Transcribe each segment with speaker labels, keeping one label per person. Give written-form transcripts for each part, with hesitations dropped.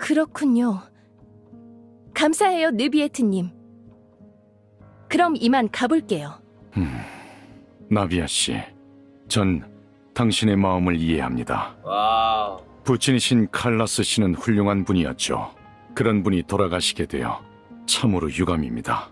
Speaker 1: 그렇군요. 감사해요, 느비에트님. 그럼 이만 가볼게요.
Speaker 2: 나비아 씨, 전 당신의 마음을 이해합니다.
Speaker 3: 와.
Speaker 2: 부친이신 칼라스 씨는 훌륭한 분이었죠. 그런 분이 돌아가시게 되어 참으로 유감입니다.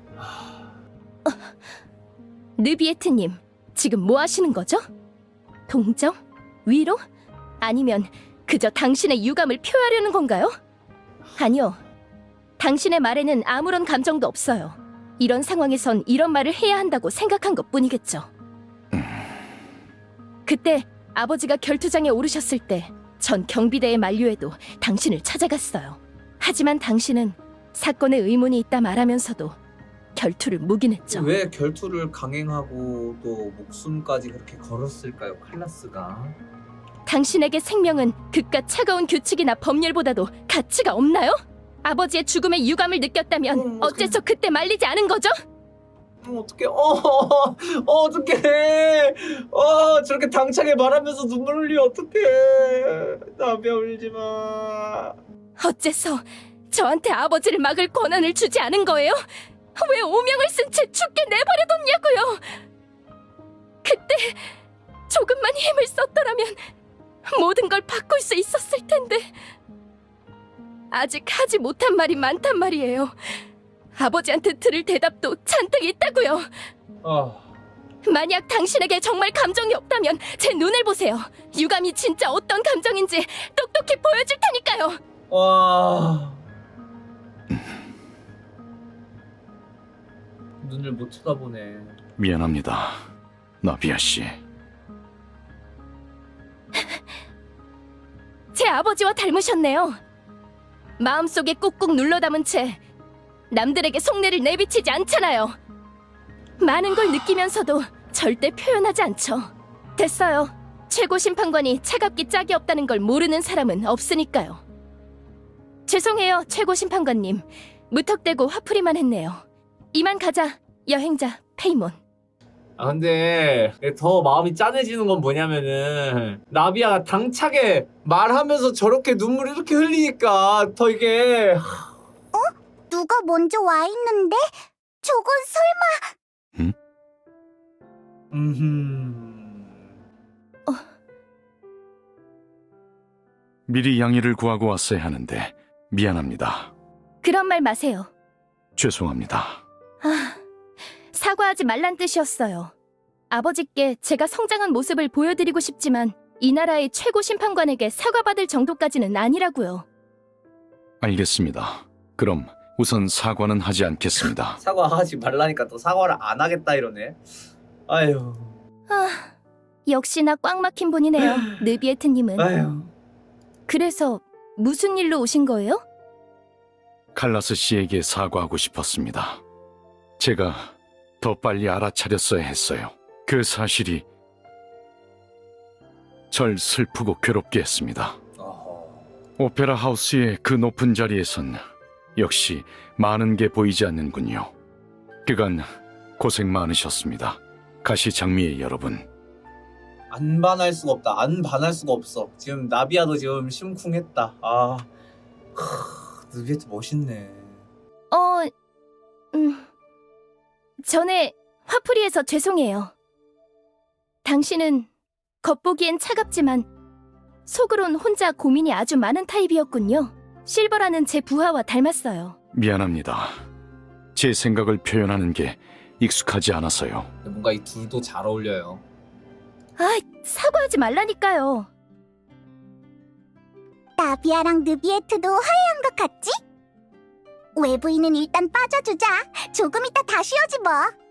Speaker 1: 느비에트님, 지금 뭐 하시는 거죠? 동정? 위로? 아니면 그저 당신의 유감을 표하려는 건가요? 아니요. 당신의 말에는 아무런 감정도 없어요. 이런 상황에선 이런 말을 해야 한다고 생각한 것뿐이겠죠. 그때 아버지가 결투장에 오르셨을 때 전 경비대의 만류에도 당신을 찾아갔어요. 하지만 당신은 사건에 의문이 있다 말하면서도 결투를 묵인했죠.
Speaker 3: 왜 결투를 강행하고 또 목숨까지 그렇게 걸었을까요, 칼라스가?
Speaker 1: 당신에게 생명은 그깟 차가운 규칙이나 법률보다도 가치가 없나요? 아버지의 죽음에 유감을 느꼈다면 어째서 그때 말리지 않은 거죠?
Speaker 3: 어떡해. 어떡해. 저렇게 당차게 말하면서 눈물 흘리 어떡해. 나비야, 울지 마.
Speaker 1: 어째서 저한테 아버지를 막을 권한을 주지 않은 거예요? 왜 오명을 쓴 채 죽게 내버려뒀냐고요? 그때 조금만 힘을 썼더라면 모든 걸 바꿀 수 있었을 텐데. 아직 하지 못한 말이 많단 말이에요. 아버지한테 들을 대답도 잔뜩 있다고요. 만약 당신에게 정말 감정이 없다면 제 눈을 보세요. 유감이 진짜 어떤 감정인지 똑똑히 보여줄 테니까요.
Speaker 3: 와. 눈을 못 쳐다보네.
Speaker 2: 미안합니다, 나비아 씨.
Speaker 1: 제 아버지와 닮으셨네요. 마음속에 꾹꾹 눌러 담은 채 남들에게 속내를 내비치지 않잖아요. 많은 걸 느끼면서도 절대 표현하지 않죠. 됐어요. 최고 심판관이 차갑기 짝이 없다는 걸 모르는 사람은 없으니까요. 죄송해요, 최고 심판관님. 무턱대고 화풀이만 했네요. 이만 가자, 여행자 페이몬.
Speaker 3: 근데 더 마음이 짠해지는 건 뭐냐면은 나비아가 당차게 말하면서 저렇게 눈물을 이렇게 흘리니까 더 이게
Speaker 4: 누가 먼저 와 있는데? 저건 설마...
Speaker 2: 미리 양해를 구하고 왔어야 하는데 미안합니다.
Speaker 1: 그런 말 마세요.
Speaker 2: 죄송합니다.
Speaker 1: 사과하지 말란 뜻이었어요. 아버지께 제가 성장한 모습을 보여드리고 싶지만 이 나라의 최고 심판관에게 사과받을 정도까지는 아니라고요.
Speaker 2: 알겠습니다. 그럼 우선 사과는 하지 않겠습니다.
Speaker 3: 사과하지 말라니까 또 사과를 안 하겠다 이러네. 아유.
Speaker 1: 역시나 꽉 막힌 분이네요, 느비에트님은.
Speaker 3: 아유.
Speaker 1: 그래서 무슨 일로 오신 거예요?
Speaker 2: 칼라스 씨에게 사과하고 싶었습니다. 제가 더 빨리 알아차렸어야 했어요. 그 사실이 절 슬프고 괴롭게 했습니다. 오페라 하우스의 그 높은 자리에선 역시 많은 게 보이지 않는군요. 그간 고생 많으셨습니다. 가시장미의 여러분.
Speaker 3: 안 반할 수가 없다. 안 반할 수가 없어. 지금 나비아도 지금 심쿵했다. 느비에트 멋있네.
Speaker 1: 전에 화풀이해서 죄송해요. 당신은 겉보기엔 차갑지만 속으론 혼자 고민이 아주 많은 타입이었군요. 실버라는 제 부하와 닮았어요.
Speaker 2: 미안합니다. 제 생각을 표현하는 게 익숙하지 않아서요.
Speaker 3: 근데 뭔가 이 둘도 잘 어울려요.
Speaker 1: 사과하지 말라니까요.
Speaker 4: 나비아랑 느비에트도 화해한 것 같지? 외부인은 일단 빠져주자. 조금 이따 다시 오지 뭐.